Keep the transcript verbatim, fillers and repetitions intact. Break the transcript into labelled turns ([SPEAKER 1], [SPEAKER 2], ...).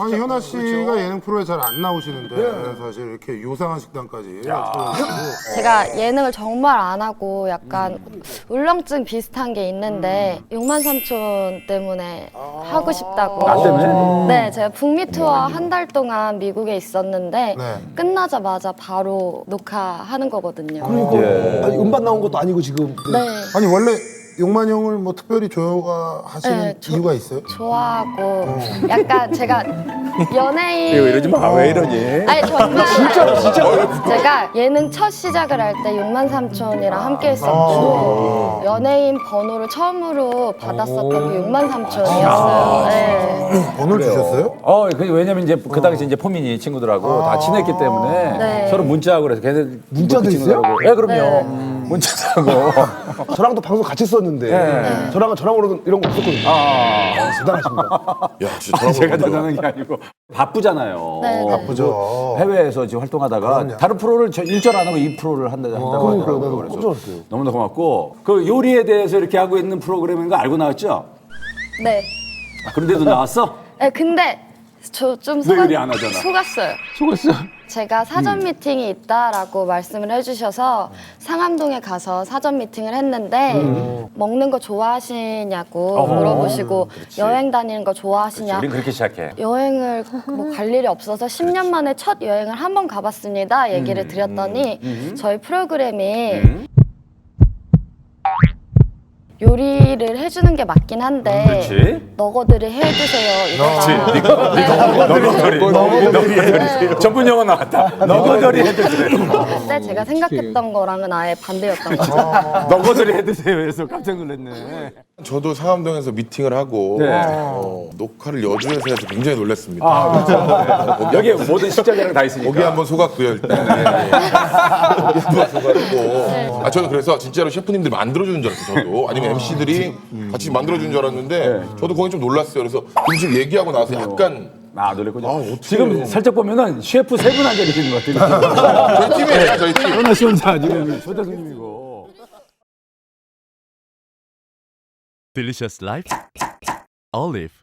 [SPEAKER 1] 아니 현아 씨가 예능 프로에 잘 안 나오시는데 사실 이렇게 요상한 식당까지 찾아오시고
[SPEAKER 2] 제가 예능을 정말 안 하고 약간 울렁증 비슷한 게 있는데 육만 삼촌 때문에 하고 싶다고.
[SPEAKER 3] 나 때문에?
[SPEAKER 2] 네, 제가 북미 투어 한 달 동안 미국에 있었는데
[SPEAKER 1] 네.
[SPEAKER 2] 끝나자마자 바로 녹화하는 거거든요.
[SPEAKER 4] 그러니까 아니, 음반 나온 것도 아니고 지금.
[SPEAKER 2] 네,
[SPEAKER 1] 아니 원래 용만 형을 뭐 특별히 좋아하시는
[SPEAKER 2] 네, 저-
[SPEAKER 1] 이유가 있어요?
[SPEAKER 2] 좋아하고 약간 제가 연예인
[SPEAKER 3] 이거 이러지 마. 왜 이러니?
[SPEAKER 2] 아니 정말 진짜로 진짜로 제가 예능 첫 시작을 할 때 육만 삼촌이랑 함께 했었고 연예인 번호를 처음으로 받았었던 게 육만 삼촌이었어요. 네.
[SPEAKER 1] 번호를 주셨어요?
[SPEAKER 3] 어, 그 왜냐면 이제 그 당시 이제 포민이 친구들하고 다 친했기 때문에
[SPEAKER 2] 네.
[SPEAKER 3] 서로 문자하고 그래서 걔네
[SPEAKER 4] 문자도
[SPEAKER 3] 그
[SPEAKER 4] 있어요?
[SPEAKER 3] 친구들하고. 예, 그럼요.
[SPEAKER 2] 네.
[SPEAKER 3] 음, 문자도 하고.
[SPEAKER 4] 저랑도 방송 같이 했었는데
[SPEAKER 3] 네.
[SPEAKER 4] 저랑은 저랑으로는 이런 거 없었거든요.
[SPEAKER 3] 아,
[SPEAKER 4] 대단하십니다.
[SPEAKER 5] 야, 진짜 저런
[SPEAKER 3] 제가
[SPEAKER 5] 거
[SPEAKER 3] 대단한 게 아니고 바쁘잖아요.
[SPEAKER 2] 네, 네.
[SPEAKER 1] 바쁘죠.
[SPEAKER 3] 해외에서 지금 활동하다가
[SPEAKER 1] 그럼요.
[SPEAKER 3] 다른 프로를 저 일절 안 하고 이 프로를 한다, 한다고
[SPEAKER 4] 그러니까요.
[SPEAKER 3] 하더라고요.
[SPEAKER 4] 나도
[SPEAKER 3] 그래서
[SPEAKER 4] 깜짝 놀랐어요.
[SPEAKER 3] 너무나 고맙고 그 요리에 대해서 이렇게 하고 있는 프로그램인 거 알고 나왔죠?
[SPEAKER 2] 네.
[SPEAKER 3] 아, 그런데도 나왔어?
[SPEAKER 2] 네, 근데 저 좀
[SPEAKER 3] 왜 요리 안 하잖아.
[SPEAKER 2] 속았어요.
[SPEAKER 3] 속았어.
[SPEAKER 2] 제가 사전 미팅이 있다라고 말씀을 해주셔서 상암동에 가서 사전 미팅을 했는데 먹는 거 좋아하시냐고
[SPEAKER 3] 어허.
[SPEAKER 2] 물어보시고 여행 다니는 거 좋아하시냐.
[SPEAKER 3] 우린 그렇게 시작해.
[SPEAKER 2] 여행을 뭐 갈 일이 없어서 십 년 만에 첫 여행을 한 번 가봤습니다. 얘기를 드렸더니 저희 프로그램이 요리를 해주는 게 맞긴 한데
[SPEAKER 3] 그렇지.
[SPEAKER 2] 너거들이 해주세요. 이거다.
[SPEAKER 3] 너거들이. 너거들이. 전문 용어 나왔다. 너거들이 해드세요.
[SPEAKER 2] 근데 제가 생각했던 거랑은 아예 반대였던 거죠.
[SPEAKER 3] 너거들이 해드세요. 그래서 깜짝 놀랐네.
[SPEAKER 5] 저도 상암동에서 미팅을 하고
[SPEAKER 3] 네.
[SPEAKER 5] 어, 녹화를 여주에서 해서 굉장히 놀랐습니다.
[SPEAKER 3] 아, 그렇죠. 여기에 모든 식자재랑 다 있으니까.
[SPEAKER 5] 거기 한번 속았고요 일단. 네. 거기 한번 속았고. 아 저는 그래서 진짜로 셰프님들이 만들어주는 줄 알았어요. 저도 아니면 엠씨들이 같이 만들어주는 줄 알았는데 저도 거기 좀 놀랐어요. 그래서 음식 얘기하고 나서 약간
[SPEAKER 3] 아, 놀랬군요.
[SPEAKER 5] 아, 어떡해요.
[SPEAKER 3] 지금 살짝 보면은 셰프 세 분 앉아 계시는 것 같아요.
[SPEAKER 5] 저희 팀이에요, 저희 팀.
[SPEAKER 3] 현아 씨 혼자 지금 초대 손님이고.
[SPEAKER 6] Delicious Life Olive